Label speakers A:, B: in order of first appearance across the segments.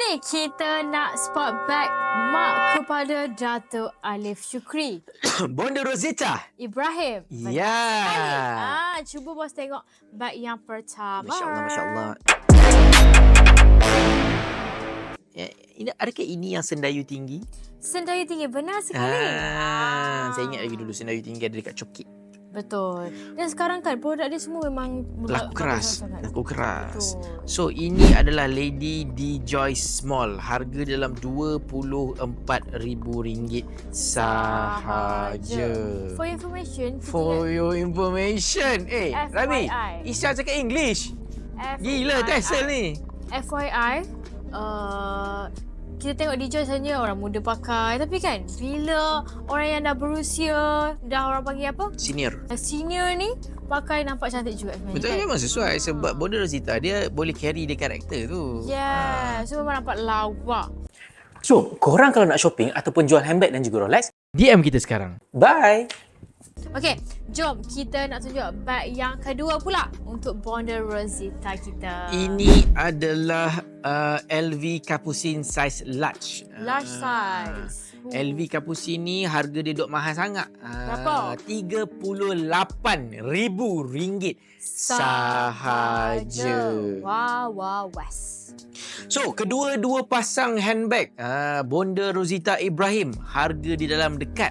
A: Ni kita nak spot back mak kepada Dato' Alif Shukri.
B: Bonda Rosita
A: Ibrahim.
B: Ya.
A: Cuba bos tengok bag yang pertama.
B: Masya Allah, Masya Allah. Adakah ini yang sendayu tinggi?
A: Sendayu tinggi, benar sekali.
B: Saya ingat lagi dulu sendayu tinggi ada dekat Chokit.
A: Betul. Dan sekarang kan produk dia semua memang
B: Laku keras. Laku keras.
A: Betul.
B: So ini adalah Lady D Joyce Small. Harga dalam RM24,000 sahaja.
A: For information.
B: For your information. Rami,
A: FYI.
B: Isya cakap English. Gila Tesla ni.
A: FYI, kita tengok DJ hanya orang muda pakai. Tapi kan, bila orang yang dah berusia, dah orang panggil apa? Senior ni, pakai nampak cantik juga sebenarnya.
B: Betul,
A: kan?
B: memang sesuai. Sebab Bonda Rosita, dia boleh carry dia karakter tu.
A: Yeah, so memang nampak lawak.
C: So, korang kalau nak shopping ataupun jual handbag dan juga Rolex,
B: DM kita sekarang.
C: bye!
A: Okey, jom kita nak tunjuk bag yang kedua pula untuk Bonda Rosita kita.
B: Ini adalah LV Capucine size large.
A: Large size.
B: LV Capucine ni harga dia duk mahal sangat.
A: Berapa?
B: RM38,000 sahaja.
A: Wow, was.
B: So, kedua-dua pasang handbag Bonda Rosita Ibrahim, harga di dalam dekat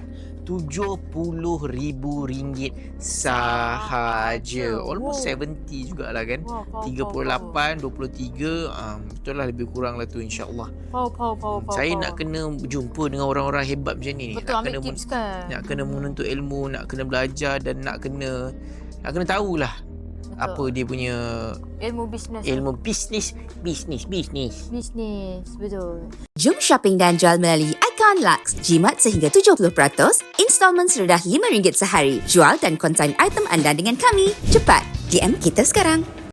B: RM70,000 sahaja. Almost 70 jugalah kan. 38, 23, betul lah, lebih kurang lah tu, insyaAllah. Saya nak kena jumpa dengan orang-orang hebat macam ni.
A: Betul, ambil tips kan.
B: Nak kena menuntut ilmu, nak kena belajar dan nak kena tahulah apa dia punya
A: Ilmu bisnes.
B: Bisnes,
A: betul.
D: Jom shopping dan jual melalui Icon Lux. Jimat sehingga 70%, installment serendah RM5 sehari. Jual dan konsign item anda dengan kami. Cepat, DM kita sekarang.